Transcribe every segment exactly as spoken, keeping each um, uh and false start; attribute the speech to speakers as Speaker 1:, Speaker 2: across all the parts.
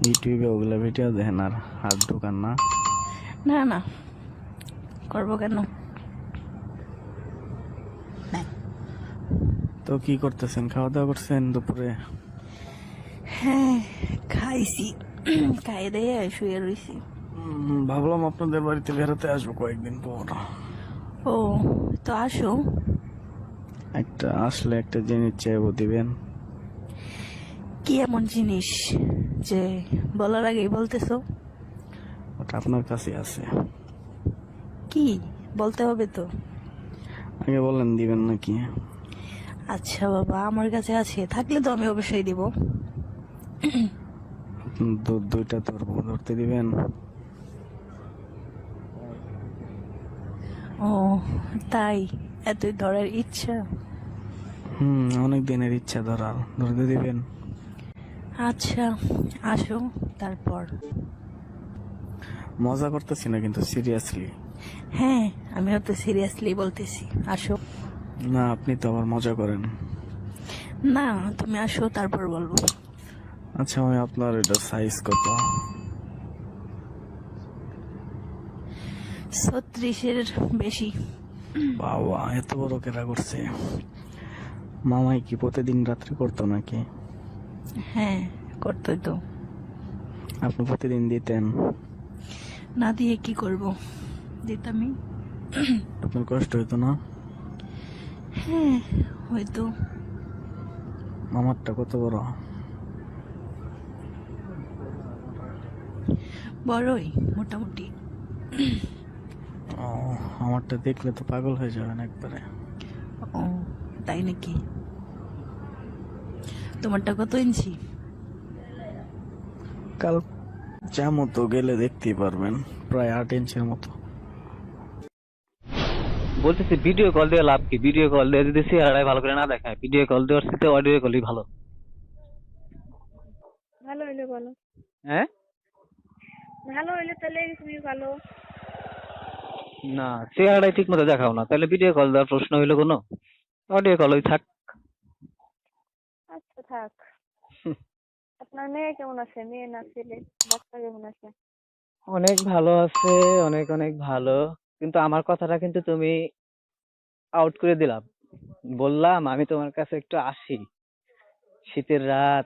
Speaker 1: ইউটিউবে ওগুলা ভিডিও দেখেন আর হাত ঢোকান না?
Speaker 2: না না, করবো কেন?
Speaker 1: তো কি করতেছেন? খাওয়া দাওয়া করছেন দুপুরে?
Speaker 2: হ্যাঁ, খাইছি। খাই দিয়ে শুয়ে রইছি।
Speaker 1: উম, ভাবলাম আপনাদের বাড়িতে বেড়াতে আসবো কয়েকদিন পর।
Speaker 2: ও, তো আসো।
Speaker 1: একটা আসলে একটা জিনিস চাইবো, দিবেন?
Speaker 2: কি এমন জিনিস যে বলার আগেই বলতেছো?
Speaker 1: ওটা আপনার কাছে আছে।
Speaker 2: কি বলতে হবে তো?
Speaker 1: আগে বলেন দিবেন নাকি।
Speaker 2: আচ্ছা বাবা, আমার কাছে আছে, থাকলে তো আমি অবশ্যই দিব।
Speaker 1: দু- দুইটা ধরবো, ধরতে দিবেন?
Speaker 2: ও তাই, এতই ধরার ইচ্ছা?
Speaker 1: হুম, অনেক দিনের ইচ্ছা ধরার, ধরতে দিবেন?
Speaker 2: আচ্ছা, আসো তারপর।
Speaker 1: মজা করতেছি না কিন্তু, সিরিয়াসলি।
Speaker 2: হ্যাঁ, আমিও তো সিরিয়াসলি বলতেছি, আসো।
Speaker 1: না, আপনি তো আবার মজা করেন।
Speaker 2: না, তুমি আসো তারপর বলবো।
Speaker 1: আচ্ছা, আমি আপনার এটা সাইজ কত?
Speaker 2: ছত্রিশের বেশি।
Speaker 1: বাবা, এত বড় কেরা করছে! মামাই কি প্রতিদিন রাত্রে করতো নাকি?
Speaker 2: হ্যাঁ, করতে তো।
Speaker 1: আপনি প্রতিদিন দিতেন?
Speaker 2: না দিয়ে কি করব, দিতামই।
Speaker 1: আপনার কষ্ট হইতো না?
Speaker 2: হ্যাঁ, হয়তো।
Speaker 1: মামারটা কত বড়?
Speaker 2: বড়ই, মোটামুটি।
Speaker 1: ও, আমারটা দেখলে তো পাগল হয়ে যাবেন একবারে।
Speaker 2: ও তাই নাকি? তোমারটা কত ইঞ্চি?
Speaker 1: কাল যা মতো গেলে দেখতেই পারবেন, প্রায় আট ইঞ্চের মতো।
Speaker 3: বলতেছি ভিডিও কল দিয়ে লাভ কি? ভিডিও কল দিয়ে যদি চেহারাটাই ভালো করে না দেখায়, ভিডিও কল দেওয়ার সাথে অডিও কলই ভালো।
Speaker 4: ভালো হইলে বলো।
Speaker 3: হ্যাঁ,
Speaker 4: ভালো হইলে তাহলে তুমি ভালো।
Speaker 3: না চেহারাটাই ঠিক মতো দেখাও না, তাহলে ভিডিও কল দেওয়ার প্রশ্ন হইলো কোনো? অডিও কলই থাক।
Speaker 4: আচ্ছা থাক। আপনার মেয়ে কেমন আছে? মেয়ে না ছেলে? বাচ্চা কেমন আছে?
Speaker 3: অনেক ভালো আছে, অনেক অনেক ভালো। কিন্তু আমার কথাটা কিন্তু তুমি আউট করে দিলাম। বললাম আমি তোমার কাছে একটু আসি, শীতের রাত,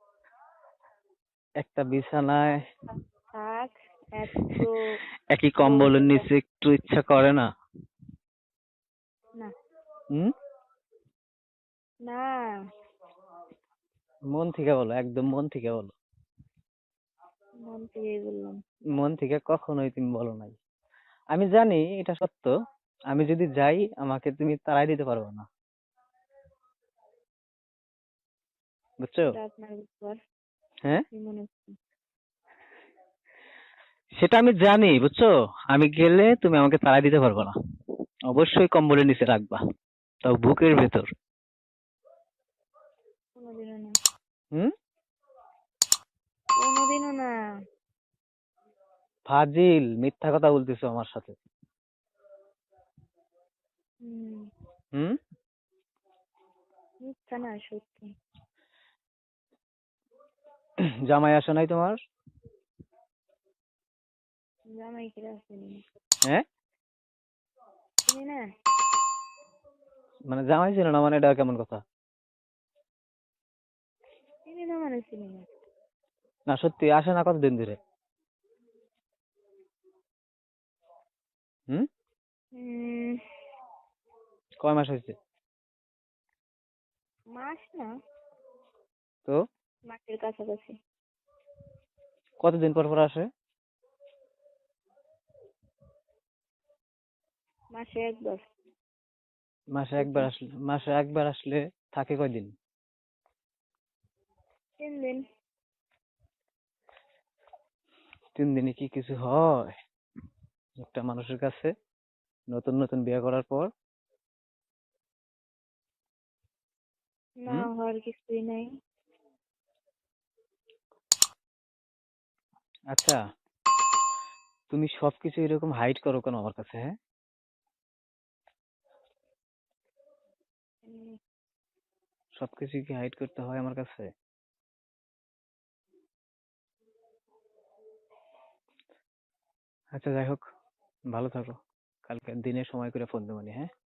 Speaker 3: একটা বিছানায়
Speaker 4: থাক। এত
Speaker 3: একই
Speaker 4: বলতে
Speaker 3: কম্বলের
Speaker 4: হবে
Speaker 3: নিচে একটু ইচ্ছা করে না?
Speaker 4: না।
Speaker 3: হুম,
Speaker 4: না,
Speaker 3: মন থেকে বলো, একদম মন থেকে বলো।
Speaker 4: মন থেকেই বললাম।
Speaker 3: মন থেকে কখনোই তুমি বলো নাই। আমি জানি এটা সত্য। আমি যদি যাই আমাকে তুমি তাড়াই দিতে পারবে না, বুঝছো?
Speaker 4: এটা আপনার ব্যাপার।
Speaker 3: হ্যাঁ,
Speaker 4: কি মনে হচ্ছে?
Speaker 3: সেটা আমি জানি, বুঝছো? আমি গেলে তুমি আমাকে তাড়াই দিতে পারবে না। অবশ্যই কম্বলের নিচে রাখবা, তাও বুকের ভেতর।
Speaker 4: কোনোদিনও না।
Speaker 3: হুম,
Speaker 4: কোনোদিনও না।
Speaker 3: ফাজিল, মিথ্যা কথা বলতেছো আমার সাথে।
Speaker 4: হুম,
Speaker 3: হুম,
Speaker 4: মিথ্যা না, সত্যি।
Speaker 3: জামাই আসে নাই তোমার?
Speaker 4: জামাই কিরা চিনি না।
Speaker 3: হ্যাঁ,
Speaker 4: চিনি না।
Speaker 3: মানে জামাই ছিল না মানে এটা কেমন কথা?
Speaker 4: চিনি না মানে চিনি না।
Speaker 3: না সত্যি আসে না, কতদিন ধরে? হুম,
Speaker 4: উম,
Speaker 3: কয় মাস হয়েছে?
Speaker 4: মাস না,
Speaker 3: তো
Speaker 4: মাসের কাছাকাছি।
Speaker 3: কতদিন পর পর আসে?
Speaker 4: মাসে একবার।
Speaker 3: মাসে একবার
Speaker 4: বুঝছেন?
Speaker 3: আসলে, মাসে একবার আসলে থাকে কয়দিন?
Speaker 4: তিন দিন।
Speaker 3: তিন দিনে কি কিছু হয় একটা মানুষের কাছে, নতুন নতুন বিয়ে করার পর?
Speaker 4: না
Speaker 3: হুম,
Speaker 4: হওয়ার কিছুই নাই।
Speaker 3: আচ্ছা, তুমি সবকিছু এরকম হাইড করো কেন আমার কাছে? হ্যাঁ,
Speaker 4: উম,
Speaker 3: সবকিছু কি হাইড করতে হয় আমার কাছে? আচ্ছা যাই হোক, ভালো থাকো। কালকে দিনে সময় করে ফোন দেবো নি, হ্যাঁ?